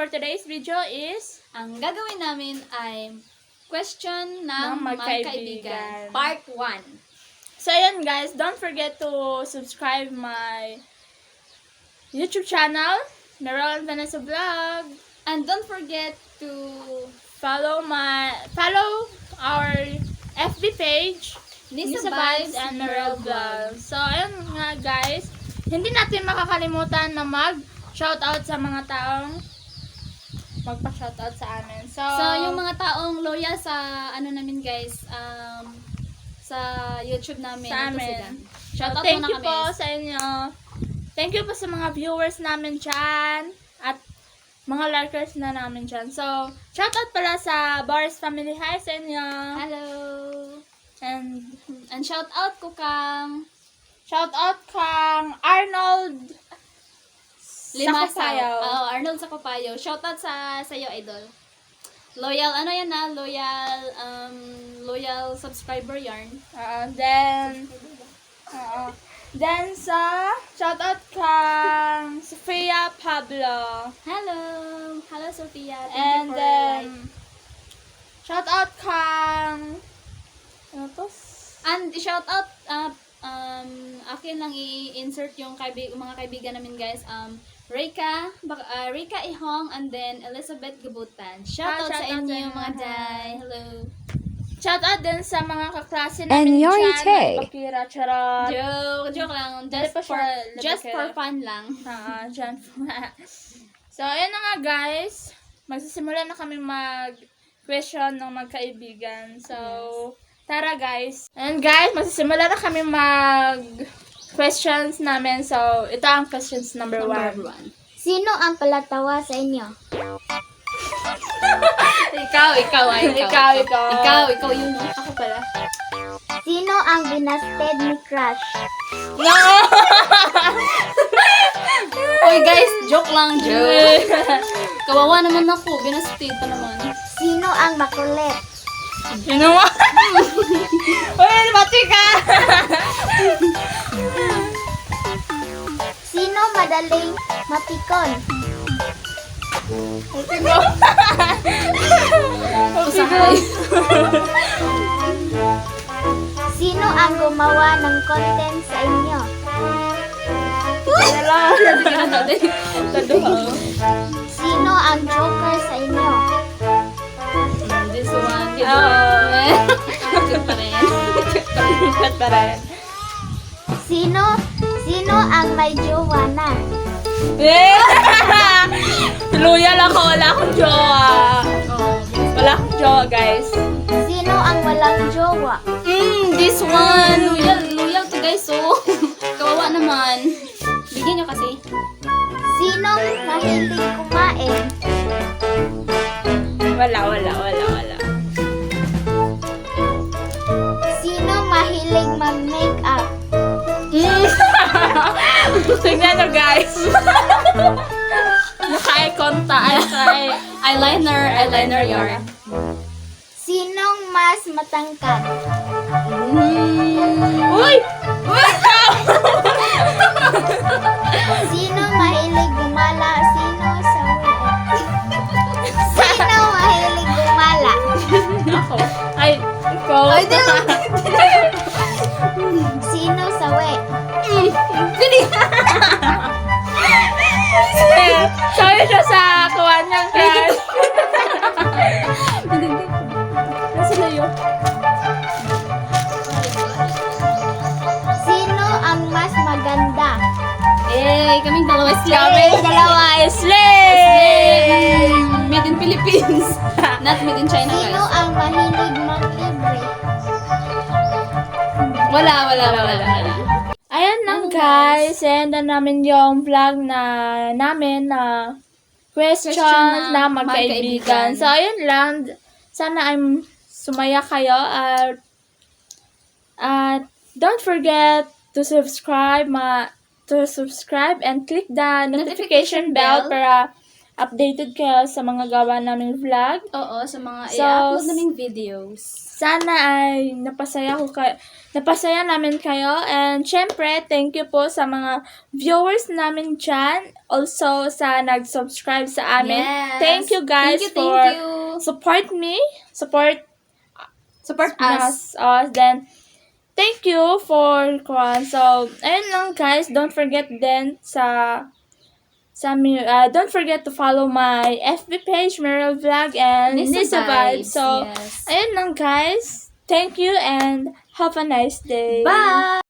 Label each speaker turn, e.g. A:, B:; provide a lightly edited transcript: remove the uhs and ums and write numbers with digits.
A: for today's video is
B: Ang gagawin namin ay question ng
A: Ng magkaibigan.
B: magkaibigan. Part 1.
A: So ayun guys, don't forget to subscribe my YouTube channel, Meron Vanessa Vlog.
B: And don't forget to
A: Follow our FB page,
B: Nisa
A: Nisa Vibes and Meron Vlog. So ayun nga guys, hindi natin makakalimutan na mag-shoutout sa mga taong magpa-shoutout sa amin. So
B: yung mga taong loyal sa namin guys, sa YouTube namin.
A: Sa
B: ito
A: amin.
B: sila. Shoutout
A: thank
B: muna
A: you
B: kami.
A: po sa inyo. Thank you po sa mga viewers namin dyan. At mga lurkers na namin dyan. So, shoutout pala sa Boris Family. Hi sa inyo.
B: Hello.
A: And
B: shoutout ko kang
A: shoutout kang Arnold
B: Limasaw.
A: Sakupayaw.
B: Arnold Sakupayaw. Shoutout sa iyo, idol. Loyal, loyal subscriber yarn.
A: Then sa shoutout kang Sofia Pablo.
B: Hello. Hello, Sophia. Thank
A: And
B: you for
A: then
B: like.
A: shoutout kang ano to?
B: And shoutout akin lang i-insert yung mga kaibigan namin guys. Rika Ihong and then Elizabeth Gabutan. Shoutout sa
A: shoutout
B: inyo
A: sa
B: mga
A: inyo.
B: day. Hello.
A: Shoutout din sa mga kaklase
C: And
A: namin
C: you're
A: dyan.
C: Tay.
A: Bakira, charot.
B: Joke lang.
A: Hindi pa siya
B: Just
A: labakira.
B: for fun lang.
A: Dyan. So, ayan na nga guys. Magsisimula na kami mag-question ng magkaibigan. So, tara guys. And guys, magsisimula na kami mag-questions namin. So, ito ang questions number 1.
D: Sino ang palatawa sa inyo?
B: Ikaw. Ikaw yung
A: Ako pala.
D: Sino ang binasted ni Crush?
A: No!
B: Oy guys, joke lang, joke. Kawawa naman ako, binasted pa naman.
D: Sino ang makulit?
A: Sino mo? Uy, bati ka!
D: Sino madaling mapikon?
B: Usahay.
D: Sino ang gumawa ng content sa inyo? Sino ang joker sa inyo?
B: This one. Cute pa rin.
A: Cute pa rin.
D: Sino ang may jowa na?
A: Loyal ako, wala akong jowa. Wala akong jowa, guys.
D: Sino ang walang jowa?
B: This one. Loyal to guys, so. Kawawa naman. Bigyan nyo kasi.
D: Sino mahilig kumain?
A: Wala.
D: Sino mahilig mag-makeup?
A: Tingnan nyo, guys. Naka-ikonta.
B: Eyeliner yarn.
D: Sinong mas matangkad?
A: Uy!
D: Sino mahilig gumala? Sino sawi? Sino mahilig gumala?
A: Ako. Ay, ikaw.
D: Sino sawi?
A: Sabi siya sa kuwan niyang crush. Nasa na yun?
D: Sino ang mas maganda?
B: Kaming dalawa slay.
A: Kami dalawa is slay!
B: Made in Philippines. Not made in China,
D: Sino
B: guys.
D: ang mahilig manglibre?
B: Wala.
A: Ayan lang guys, and na namin yung vlog namin na questions
B: Question
A: na
B: na
A: magkaibigan.
B: magkaibigan.
A: So ayun lang, sana ay sumaya kayo at don't forget to subscribe and click the notification bell para updated kayo sa mga gawa naming vlog.
B: Oo, sa mga
A: So,
B: i-upload naming videos.
A: Sana ay napasaya namin kayo. And syempre, thank you po sa mga viewers namin dyan. Also, sa nag-subscribe sa amin.
B: Yes.
A: Thank you guys
B: Thank
A: for
B: you.
A: support
B: Support us.
A: Then, thank you for so, ayun lang guys. Don't forget then don't forget to follow my FB page, Meryl Vlog, and Nisa Vibes. So,
B: yes.
A: ayun lang guys. Thank you and have a nice day.
B: Bye!